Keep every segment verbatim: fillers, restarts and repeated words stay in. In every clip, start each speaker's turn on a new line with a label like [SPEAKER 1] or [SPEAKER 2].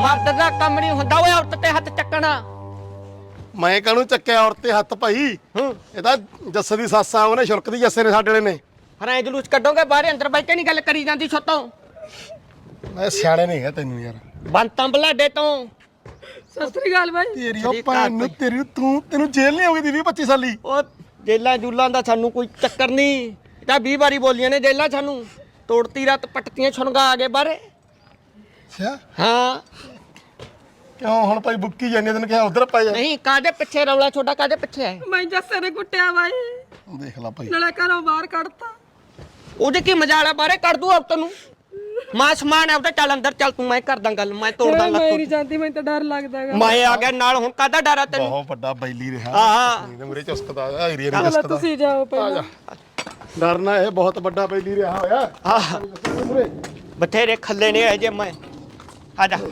[SPEAKER 1] ਮਰਦ ਦਾ ਕੰਮ ਨਹੀਂ ਹੁੰਦਾ ਓਏ ਔਰਤ ਤੇ ਹੱਥ ਚੱਕਣਾ।
[SPEAKER 2] ਮੈਂ ਕਾਹਨੂੰ ਚੱਕਿਆ ਔਰਤ ਤੇ ਹੱਥ ਭਾਈ? ਇਹ ਤਾਂ ਜੱਸੇ ਦੀ ਸੱਸ ਆ, ਉਹਨੇ ਸ਼ੁਲਕ ਦੀ ਜੱਸੇ ਨੇ ਸਾਡੇ ਵਾਲੇ ਨੇ।
[SPEAKER 1] ਹਰਾਂ ਜਲੂਸ ਕੱਢੋਗੇ ਬਾਹਰ ਅੰਦਰ ਬੈਠ ਕੇ ਨਹੀਂ ਗੱਲ ਕਰੀ ਜਾਂਦੀ ਛੋਤੋਂ।
[SPEAKER 2] ਮੈਂ ਸਿਆਣੇ ਨਹੀਂ ਹੈ ਤੈਨੂੰ ਯਾਰ।
[SPEAKER 1] ਬੰਤਾਂ ਬਲਾਡੇ ਤੋਂ
[SPEAKER 3] ਸਤਿ ਸ੍ਰੀ ਅਕਾਲ ਬਾਈ।
[SPEAKER 2] ਤੇਰੀ ਉਹ ਭੈਣ ਨੂੰ ਤੇਰੀ ਤੂੰ ਤੈਨੂੰ ਜੇਲ੍ਹ ਨਹੀਂ ਹੋ ਗਈ ਦੀ ਵੀਹ ਪੱਚੀ ਸਾਲੀ।
[SPEAKER 1] ਉਹ ਜੇਲਾਂ ਜੂਲਾਂ ਦਾ ਸਾਨੂੰ ਕੋਈ ਚੱਕਰ ਨਹੀਂ। ਇਹ ਤਾਂ ਵੀਹ ਵਾਰੀ ਬੋਲੀਆਂ ਨੇ ਜੇਲਾਂ ਸਾਨੂੰ। ਤੋੜਤੀ ਰਾਤ ਪੱਟਤੀਆਂ ਛੁਣਗਾ ਆ ਗਏ ਬਾਹਰੇ।
[SPEAKER 2] ਅੱਛਾ
[SPEAKER 1] ਹਾਂ
[SPEAKER 2] ਕਿਉਂ ਹੁਣ ਭਾਈ ਬੁੱਕੀ ਜਾਂਦੇ ਤੈਨੂੰ ਕਿਹਾ ਉਧਰ ਪੈ ਜਾ।
[SPEAKER 1] ਨਹੀਂ ਕਾਹਦੇ ਪਿੱਛੇ ਰੌਲਾ ਛੋਟਾ ਕਾਹਦੇ ਪਿੱਛੇ ਹੈ?
[SPEAKER 3] ਮੈਂ ਜੱਸੇ ਨੇ ਕੁੱਟਿਆ ਬਾਈ,
[SPEAKER 2] ਦੇਖ ਲੈ ਭਾਈ।
[SPEAKER 3] ਨਾਲੇ ਘਰੋਂ ਬਾਹਰ ਕੱਢਤਾ।
[SPEAKER 1] ਉਹਦੇ ਕੀ ਮਜਾਲ ਆ ਬਾਹਰੇ ਕੱਢ ਦੂ ਔਰਤ ਨੂੰ। ਮਾਂ ਸਮਾਨ ਹੈ ਉਹਦਾ। ਚੱਲ ਅੰਦਰ ਚੱਲ ਤੂੰ, ਮੈਂ ਕਰਦਾ ਗੱਲ, ਮੈਂ ਤੋੜਦਾ
[SPEAKER 3] ਮੈਂ ਨਹੀਂ
[SPEAKER 1] ਲੱਤ।
[SPEAKER 3] ਜਾਂਦੀ, ਮੈਨੂੰ ਤਾਂ ਡਰ ਲੱਗਦਾਗਾ।
[SPEAKER 1] ਮੈਂ ਆ ਗਿਆ ਨਾਲ, ਹੁਣ ਕਾਹਦਾ ਡਰ ਆ ਤੈਨੂੰ?
[SPEAKER 2] ਬਹੁਤ ਵੱਡਾ ਬੈਲੀ ਰਿਹਾ।
[SPEAKER 1] ਹਾਂ
[SPEAKER 2] ਇਹਦੇ ਮੂਰੇ ਚੁਸਕਦਾ ਆ ਏਰੀਆ ਨਹੀਂ
[SPEAKER 3] ਚਲੋ
[SPEAKER 2] ਚੁਸਕਦਾ।
[SPEAKER 3] ਤੁਸੀਂ ਜਾਓ
[SPEAKER 2] ਆ
[SPEAKER 3] ਪਹਿਲਾਂ।
[SPEAKER 2] ਜਾ ਡਰਨਾ, ਇਹ ਬਹੁਤ ਵੱਡਾ ਬੈਲੀ ਰਿਹਾ ਹੋਇਆ।
[SPEAKER 1] ਆਹ
[SPEAKER 2] ਮੂਰੇ
[SPEAKER 1] ਬਥੇਰੇ ਖੱਲੇ ਨੇ ਇਹ ਜੇ ਮੈਂ ਆ ਜਾ।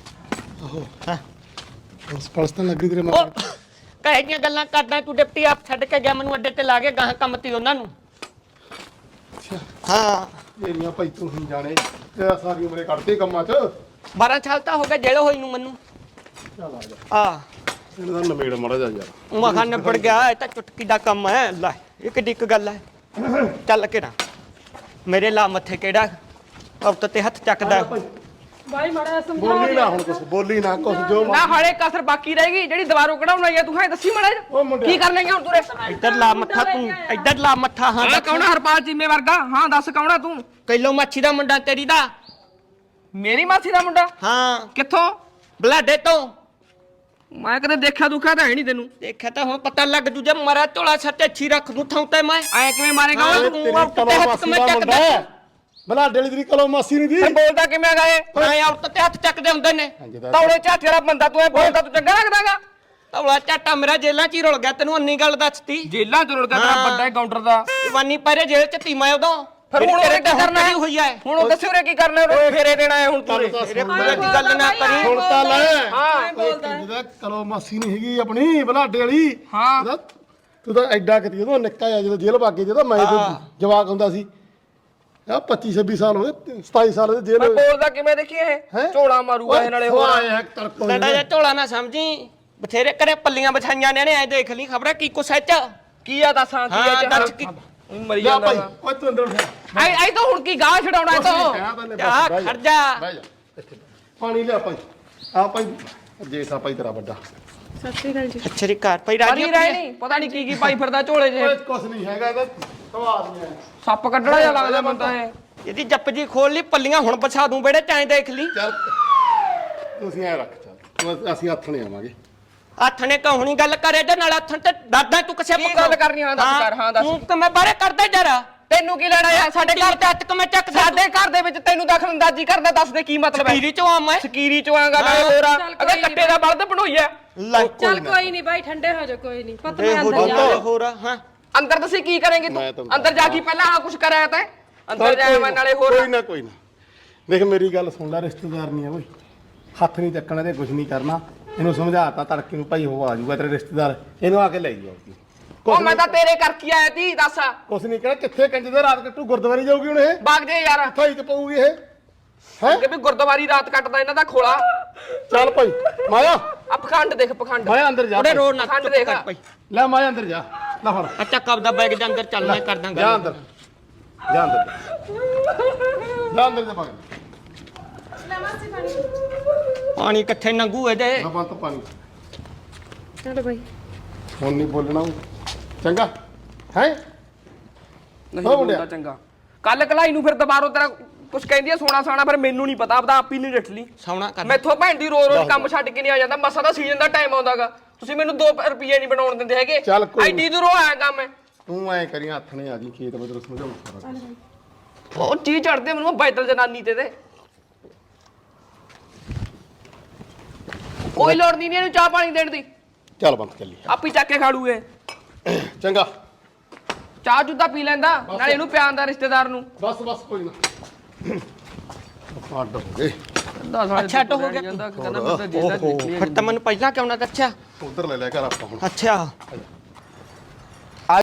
[SPEAKER 2] ਉਸ ਪਲਸਤਨ ਲੱਗੀ ਤੇਰੇ
[SPEAKER 1] ਉਹ
[SPEAKER 2] ਮਾਰ।
[SPEAKER 1] ਕਹੇ ਦੀਆਂ ਗੱਲਾਂ ਕਰਦਾ ਤੂੰ। ਡਿਪਟੀ ਆਪ ਛੱਡ ਕੇ ਗਿਆ ਮੈਨੂੰ ਅੱਡੇ ਤੇ ਲਾ ਕੇ ਗਾਹਾਂ ਕੰਮ ਤੀ ਉਹਨਾਂ ਨੂੰ।
[SPEAKER 2] ਅੱਛਾ
[SPEAKER 1] ਹਾਂ
[SPEAKER 2] ਮੇਰੀਆਂ ਭਾਈ ਤੂੰ ਹੀ ਜਾਣੇ, ਤੇਰਾ ਸਾਰੀ ਉਮਰੇ ਕੱਢਦੇ ਕੰਮਾਂ 'ਚ।
[SPEAKER 1] ਬਾਰਾਂ ਸਾਲ ਤਾਂ ਹੋ ਗਏ ਜੇਲ੍ਹ ਹੋਈ ਨੂੰ ਮੈਨੂੰ।
[SPEAKER 2] ਚੱਲ ਆ ਜਾ
[SPEAKER 1] ਆ
[SPEAKER 2] ਇਹਨਾਂ ਦਾ ਨਵੇੜ ਮਾੜਾ ਜਾ ਯਾਰ।
[SPEAKER 1] ਮਖਾ ਨਿਬੜ ਗਿਆ। ਇਹ ਤਾਂ ਚੁਟਕੀ ਦਾ ਕੰਮ ਹੈ। ਲੈ ਇਹ ਕਿੱਡੀ ਕੁ ਗੱਲ ਹੈ। ਚੱਲ ਕੇ ਨਾ ਮੇਰੇ ਲਾ ਮੱਥੇ ਕਿਹੜਾ ਔਰਤ ਤੇ ਹੱਥ ਚੱਕਦਾ।
[SPEAKER 3] ਬਾਈ ਮਾੜਾ ਸਮਝਾ
[SPEAKER 2] ਬੋਲੀ ਨਾ ਹੁਣ ਕੁਛ, ਬੋਲੀ ਨਾ ਕੁਛ ਜੋ
[SPEAKER 3] ਨਾ ਹਾਲੇ ਕਸਰ ਬਾਕੀ ਰਹਿ ਗਈ ਜਿਹੜੀ ਦੁਬਾਰੋਂ ਕਢਾਉਣਾ ਹੈ। ਤੂੰ ਹੈ ਦੱਸੀ ਮਾੜਾ
[SPEAKER 2] ਉਹ ਮੁੰਡਿਆ।
[SPEAKER 3] ਕੀ ਕਰ ਲੈਂਗਾ ਹੁਣ ਤੂੰ?
[SPEAKER 1] ਇੱਧਰ ਲਾ ਮੱਥਾ ਤੂੰ, ਇੱਧਰ ਲਾ ਮੱਥਾ। ਹਾਂ
[SPEAKER 3] ਹਾਂ ਕੌਣ? ਹਰਪਾਲ ਚੀਮੇ ਵਰਗਾ। ਹਾਂ ਦੱਸ ਕੌਣ ਆ ਤੂੰ?
[SPEAKER 1] ਕਿਲੋ ਮੱਛੀ ਦਾ ਮੁੰਡਾ ਤੇਰੀ ਦਾ।
[SPEAKER 3] ਮੇਰੀ ਮਾਸੀ ਦਾ ਮੁੰਡਾ?
[SPEAKER 1] ਹਾਂ
[SPEAKER 3] ਕਿੱਥੋਂ?
[SPEAKER 1] ਬਲਾਡੇ ਤੋਂ।
[SPEAKER 3] ਮੈਂ ਕਦੇ ਦੇਖਿਆ ਦੁੱਖਿਆ ਤਾਂ ਹੈ ਨਹੀਂ ਤੈਨੂੰ।
[SPEAKER 1] ਦੇਖਿਆ ਤਾਂ ਹੁਣ ਪਤਾ ਲੱਗ ਜੂ। ਜੇ ਮਰਾ ਝੋਲਾ ਛੱਤੇ ਅੱਛੀ ਰੱਖ ਦੂੰ ਥਾਂ ਤੇ ਮੈਂ।
[SPEAKER 3] ਐ ਕਿਵੇਂ ਮਾਰੇਗਾ
[SPEAKER 1] ਹਾਂ,
[SPEAKER 3] ਓਏ?
[SPEAKER 1] ਤੂੰ
[SPEAKER 2] ਤੇਰੀ
[SPEAKER 1] ਔਰਤ ਤੇ
[SPEAKER 2] ਕਲੋ
[SPEAKER 1] ਹੱਥ
[SPEAKER 2] ਮਾਸੀ
[SPEAKER 1] ਮੈਂ
[SPEAKER 2] ਦਾ
[SPEAKER 1] ਚੱਕਦਾ।
[SPEAKER 2] ਮੁੰਡਾ ਹੈ। ਬਲਾ ਡੇਲੀ ਤੇਰੀ ਕਲੋ ਮਾਸੀ ਨਹੀਂ ਦੀ।
[SPEAKER 3] ਫਿਰ ਬੋਲਦਾ ਕਿਵੇਂ ਹੈਗਾ ਇਹ?
[SPEAKER 1] ਮੈਂ ਔਰਤ ਤੇ ਹੱਥ ਚੱਕਦੇ ਹੁੰਦੇ ਨੇ।
[SPEAKER 3] ਤੌੜੇ ਝਾਟ ਜਿਹੜਾ ਬੰਦਾ ਤੂੰ ਇਹ ਬੋਲਦਾ ਤੂੰ ਚੰਗਾ ਲੱਗਦਾਗਾ?
[SPEAKER 1] ਤੌਲਾ ਝਾਟਾ ਮੇਰਾ ਜੇਲਾਂ ਚ ਹੀ ਰੁਲ ਗਿਆ। ਤੈਨੂੰ ਅੰਨੀ ਗੱਲ ਦੱਸਤੀ।
[SPEAKER 3] ਜੇਲਾਂ ਚ ਰੁਲਦਾ ਤੇਰਾ
[SPEAKER 1] ਹਾਂ।
[SPEAKER 3] ਵੱਡਾ ਕਾਊਂਟਰ ਦਾ।
[SPEAKER 1] ਜਵਾਨੀ ਪਹਿਰੇ ਜੇਲ੍ਹ ਚ ਤੀ ਮੈਂ ਉਦੋਂ।
[SPEAKER 3] ਫਿਰ ਹੁਣ
[SPEAKER 1] ਤੇਰੇ
[SPEAKER 3] ਉਹਨੇ ਕੀ ਕਰਨਾ ਹੈ?
[SPEAKER 1] ਹੋਈ ਹੈ।
[SPEAKER 3] ਹੁਣ ਉਹ ਦੱਸੀ ਉਰੇ ਕੀ ਕਰਨਾ? ਉਰੇ ਫੇਰੇ ਦੇਣਾ ਹੈ ਹੁਣ ਤੂੰ ਉਰੇ।
[SPEAKER 1] ਤੇਰੇ ਪੂਰੇ ਦੀ ਗੱਲ ਨਾ ਕਰੀ।
[SPEAKER 2] ਹੁਣ ਤਾਂ ਲੈ।
[SPEAKER 3] ਹਾਂ
[SPEAKER 2] ਜਿਹਦਾ ਕਲੋ ਮਾਸੀ ਨਹੀਂ ਹੈਗੀ ਆਪਣੀ ਬਲਾਡੇ ਵਾਲੀ।
[SPEAKER 3] ਹਾਂ।
[SPEAKER 2] ਉਹਦਾ- ਤੂੰ ਤਾਂ ਐਡਾ ਕਿਤੇ ਉਦੋਂ ਨਿੱਕਾ ਆ ਜਦੋਂ ਜੇਲ੍ਹ ਭਾਗੇ, ਜਦੋਂ ਮੈਂ ਤੇ ਜਵਾਕ ਹੁੰਦਾ ਸੀ। ਆ ਪੱਚੀ ਛੱਬੀ ਸਾਲ ਹੋ ਗਏ, ਸਤਾਈ ਸਾਲ ਦੇ ਜੇਲ੍ਹ।
[SPEAKER 3] ਮੈਂ ਬੋਲਦਾ ਕਿਵੇਂ ਦੇਖੀ ਇਹ?
[SPEAKER 2] ਹੈਂ?
[SPEAKER 3] ਝੋਲਾ ਮਾਰੂਗਾ ਇਹ ਨਾਲੇ ਹੋਰ।
[SPEAKER 2] ਆਏ ਤੜਕੋ
[SPEAKER 1] ਲੜਾ ਜਾ ਝੋਲਾ ਨਾ ਸਮਝੀ। ਬਥੇਰੇ ਕਰੇ ਪੱਲੀਆਂ ਵਿਛਾਈਆਂ ਨੇ ਐ ਦੇਖ ਲਈ ਖਬਰਾਂ ਕੀ ਕੁਛ ਐ ਚ।
[SPEAKER 3] ਕੀ ਆ ਦੱਸਾਂ? ਕੀ
[SPEAKER 1] ਹਾਂ
[SPEAKER 3] ਆ
[SPEAKER 1] ਦੱਸ ਕੀ।
[SPEAKER 3] ਮਰੀ
[SPEAKER 2] ਜਾ
[SPEAKER 3] ਜਾਂਦਾ
[SPEAKER 2] ਭਾਈ
[SPEAKER 3] ਵਾ।
[SPEAKER 2] ਓਏ ਤੂੰ ਅੰਦਰ ਉੱਠ।
[SPEAKER 3] ਆਈ ਆਈ ਤਾਂ ਹੁਣ ਕੀ ਗਾਹ ਛਡਾਉਣਾ ਇਹ ਤੋਂ?
[SPEAKER 1] ਆ ਖੜ ਜਾ।
[SPEAKER 2] ਬਹਿ ਜਾ ਇੱਥੇ। ਪਾਣੀ ਲਿਆ ਭਾਈ। ਆ ਭਾਈ ਜੇਠਾ ਭਾਈ ਤੇਰਾ ਵੱਡਾ।
[SPEAKER 3] ਸਤਿ ਸ੍ਰੀ ਅਕਾਲ ਜੀ।
[SPEAKER 1] ਅੱਛਰੀ ਘਰ ਪਈ ਰਾਜੀ
[SPEAKER 3] ਰਾਜੀ ਰਹਿ ਨਹੀਂ ਪਤਾ ਨਹੀਂ ਕੀ ਕੀ ਪਾਈ ਫਿਰਦਾ ਝੋਲੇ 'ਚ।
[SPEAKER 2] ਓਏ ਕੁਛ ਨਹੀਂ ਹੈਗਾ ਇਹਦਾ ਸਵਾਦ ਨਹੀਂ ਹੈ।
[SPEAKER 3] ਸੱਪ ਕੱਢਣਾ ਜਿਹਾ ਲੱਗਦਾ ਮੈਨੂੰ ਤਾਂ ਇਹ।
[SPEAKER 1] ਇਹਦੀ ਜੱਪ ਜੀ ਖੋਲ ਲਈ ਪੱਲੀਆਂ ਹੁਣ ਪਛਾ ਦੂੰ ਬੇੜੇ ਚਾਂ ਦੇਖ ਲਈ।
[SPEAKER 2] ਚੱਲ ਤੁਸੀਂ ਐ ਰੱਖ ਚੱਲ ਤੂੰ- ਅਸੀਂ ਹੱਥ ਨਹੀਂ ਆਵਾਂਗੇ।
[SPEAKER 1] ਹੱਥ ਨੇ ਕਹੂਣੀ ਗੱਲ ਕਰੇ ਤੇ ਨਾਲ ਹੱਥ ਤੇ ਦਾਦਾ ਤੂੰ ਕਿਸੇ
[SPEAKER 3] ਕੀ ਗੱਲ ਕਰਨੀ? ਹਾਂ ਦੱਸ ਕਰ। ਹਾਂ ਦੱਸ।
[SPEAKER 1] ਤੂੰ ਕਿ ਮੈਂ ਬਾਰੇ ਕਰਦਾ ਜਰਾ।
[SPEAKER 3] ਤੈਨੂੰ ਕੀ ਲੈਣਾ ਯਾਰ? ਸਾਡੇ ਘਰ
[SPEAKER 1] ਤੇ ਹੱਥ ਕਿ ਮੈਂ ਚੱਕ
[SPEAKER 3] ਸਾਡੇ ਘਰ ਦੇ ਵਿੱਚ ਤੈਨੂੰ ਦਖਲ ਅੰਦਾਜ਼ੀ ਕਰਦਾ ਦੱਸ ਦੇ ਕੀ ਮਤਲਬ ਹੈ?
[SPEAKER 1] ਪੀਰੀ ਚੋਂ ਆ ਮੈਂ।
[SPEAKER 3] ਸਕੀਰੀ ਚੋਂ ਆਂਗਾ ਨਾਲੇ ਹੋਰ ਆ। ਅਗੇ ਕੱਟੇ ਦਾ ਬਲਦ ਬਣੋਈਆ।
[SPEAKER 1] ਲੈ
[SPEAKER 4] ਚੱਲ ਕੋਈ ਨਹੀਂ ਬਾਈ, ਠੰਡੇ ਹੋ ਜਾ। ਕੋਈ ਨਹੀਂ ਪਤਾ
[SPEAKER 1] ਇਹ
[SPEAKER 4] ਮੈਂ
[SPEAKER 1] ਹੋ
[SPEAKER 4] ਅੰਦਰ
[SPEAKER 1] ਜਾ
[SPEAKER 4] ਜਾ।
[SPEAKER 1] ਹੋਰ ਹਾਂ।
[SPEAKER 3] ਅੰਦਰ ਤੁਸੀਂ ਕੀ ਕਰੇਂਗੇ
[SPEAKER 2] ਮੈਂ
[SPEAKER 3] ਤੂੰ?
[SPEAKER 2] ਤੁਹਾਨੂੰ
[SPEAKER 3] ਅੰਦਰ ਜਾ ਕੇ ਪਹਿਲਾਂ ਆ ਕੁਛ ਕਰਾਇਆ ਤੈਂ? ਅੰਦਰ ਜਾਇਆ ਮੈਂ ਨਾਲੇ ਹੋਰ।
[SPEAKER 2] ਕੋਈ ਨਾ ਕੋਈ ਨਾ ਦੇਖ ਮੇਰੀ ਗੱਲ ਸੁਣ ਲੈ, ਰਿਸ਼ਤੇਦਾਰ ਨਹੀਂ ਆ ਓਏ। ਹੱਥ ਨਹੀਂ ਚੱਕਣਾ ਤੇ ਕੁਝ ਨਹੀਂ ਕਰਨਾ। ਇਹਨੂੰ ਸਮਝਾਤਾ ਤੜਕੇ ਨੂੰ ਭਾਈ ਉਹ ਆ ਜਾਊਗਾ ਤੇਰੇ ਰਿਸ਼ਤੇਦਾਰ, ਇਹਨੂੰ ਆ ਕੇ ਲੈ ਜਾਓ।
[SPEAKER 3] ਉਹ ਮੈਂ ਤਾਂ ਤੇਰੇ ਕਰਕੇ ਆਇਆ ਤੀ ਦੱਸ।
[SPEAKER 2] ਕੁਛ ਨਹੀਂ ਕਹਿਣਾ। ਕਿੱਥੇ ਕੰਜ ਦੇ ਰਾਤ ਕੱਟੂ? ਗੁਰਦੁਆਰੇ ਜਾਊਗੀ ਹੁਣ ਇਹ?
[SPEAKER 3] ਬਾਗ ਜੇ ਯਾਰ
[SPEAKER 2] ਭਾਈ ਤੇ ਪਊਗੀ ਇਹ ਹੈ।
[SPEAKER 3] ਕਿ ਵੀ ਗੁਰਦੁਆਰੀ ਰਾਤ ਕੱਟਦਾ ਇਹਨਾਂ ਦਾ ਖੋਲਾ।
[SPEAKER 2] ਚੱਲ ਭਾਈ ਮਾਇਆ,
[SPEAKER 3] ਆ ਪਖੰਡ ਦੇਖ ਪਖੰਡ।
[SPEAKER 2] ਮਾਇਆ ਅੰਦਰ ਜਾ
[SPEAKER 1] ਉਹਦੇ
[SPEAKER 2] ਭਾਈ।
[SPEAKER 1] ਰੋਡ ਨਾ
[SPEAKER 3] ਖੰਡ
[SPEAKER 1] ਚੁੱਪ
[SPEAKER 3] ਦੇਖ।
[SPEAKER 1] ਕਰ ਪਈ।
[SPEAKER 2] ਲੈ ਮਾਇਆ ਅੰਦਰ ਜਾ। ਲੈ ਫੜ
[SPEAKER 1] ਅੱਛਾ ਕਬ ਦਾ ਬੈਗ ਦੇ ਅੰਦਰ ਚੱਲ ਮੈਂ ਕਰਦਾ
[SPEAKER 2] ਜਾ
[SPEAKER 1] ਗੱਲ।
[SPEAKER 2] ਅੰਦਰ ਜਾ ਅੰਦਰ ਜਾ ਅੰਦਰ ਜਾ ਭਾਈ।
[SPEAKER 1] ਪਾਣੀ ਕਿੱਥੇ ਨੰਗੂ ਇਹਦੇ।
[SPEAKER 2] ਬੰਤ ਪਾਣੀ
[SPEAKER 4] ਚਲੋ ਬਾਈ।
[SPEAKER 2] ਹੁਣ ਨਹੀਂ ਬੋਲਣਾ ਚੰਗਾ ਹੈ।
[SPEAKER 3] ਨਹੀਂ
[SPEAKER 2] ਹੋ
[SPEAKER 3] ਬੋਲਦਾ
[SPEAKER 2] ਮੁੰਡਿਆ।
[SPEAKER 3] ਚੰਗਾ। ਕੱਲ ਕਲਾਈ ਨੂੰ ਫਿਰ ਦੁਬਾਰੋਂ ਤੇਰਾ ਕੁਛ ਕਹਿੰਦੀ ਆ ਸੋਨਾ ਸਾਣਾ, ਫਿਰ ਮੈਨੂੰ ਨਹੀਂ ਪਤਾ। ਆਪਦਾ ਆਪ ਹੀ ਨਹੀਂ ਡਿੱਠ ਲਈ।
[SPEAKER 1] ਸੌਣਾ ਕਰ।
[SPEAKER 3] ਮੈਥੋਂ ਭੈਣ ਦੀ ਰੋਜ਼ ਰੋਜ਼ ਕੰਮ ਛੱਡ ਕੇ ਨਹੀਂ ਆ ਜਾਂਦਾ। ਮਸਾ ਦਾ ਸੀਜ਼ਨ ਦਾ ਟਾਈਮ ਆਉਂਦਾਗਾ। ਤੁਸੀਂ ਮੈਨੂੰ ਦੋ ਰੁਪਏ ਨਹੀਂ ਬਣਾਉਣ ਦਿੰਦੇ ਹੈਗੇ।
[SPEAKER 2] ਚੱਲ ਕੋਈ ਨੀ।
[SPEAKER 3] ਐਡੀ ਦੂਰੋਂ ਆਇਆ ਕੰਮ ਹੈ।
[SPEAKER 2] ਤੂੰ ਐ ਕਰੀ ਹੱਥ ਨੇ ਆ ਜੀ ਖੇਤ ਬਦਰ ਸਮਝਾਉਂ ਸਾਰਾ ਕੁਛ।
[SPEAKER 3] ਉਹ ਚੀਜ਼ ਚੜਦੇ ਮੈਨੂੰ ਬੈਦਲ ਜਨਾਨੀ ਤੇ ਤੇ ਕੋਈ ਲੋੜ ਨਹੀਂ ਇਹਨੂੰ ਚਾਹ ਪਾਣੀ ਦੇਣ ਦੀ।
[SPEAKER 2] ਚੱਲ ਬੰਦ ਚੱਲੀ
[SPEAKER 3] ਆਪੀ ਚੱਕ ਕੇ ਖਾੜੂਏ।
[SPEAKER 2] ਚੰਗਾ
[SPEAKER 3] ਚਾਹ ਜੁੱਦਾ ਪੀ ਲੈਂਦਾ ਨਾਲੇ ਇਹਨੂੰ ਪਿਆਰ ਦਾ ਰਿਸ਼ਤੇਦਾਰ ਨੂੰ।
[SPEAKER 2] ਬਸ ਬਸ ਕੋਈ ਨਾ ਅੱਡ ਹੋ ਗਏ।
[SPEAKER 1] ਅੱਛਾ ਅੱਡ ਹੋ ਗਿਆ। ਫਿਰ ਤਾਂ ਮੈਨੂੰ ਪਹਿਲਾਂ ਕਿਉਂ ਨਾ ਦੱਸਿਆ?
[SPEAKER 2] ਉਧਰ ਲੈ ਲੈ ਕਰ ਆਪਾਂ ਹੁਣ।
[SPEAKER 1] ਅੱਛਾ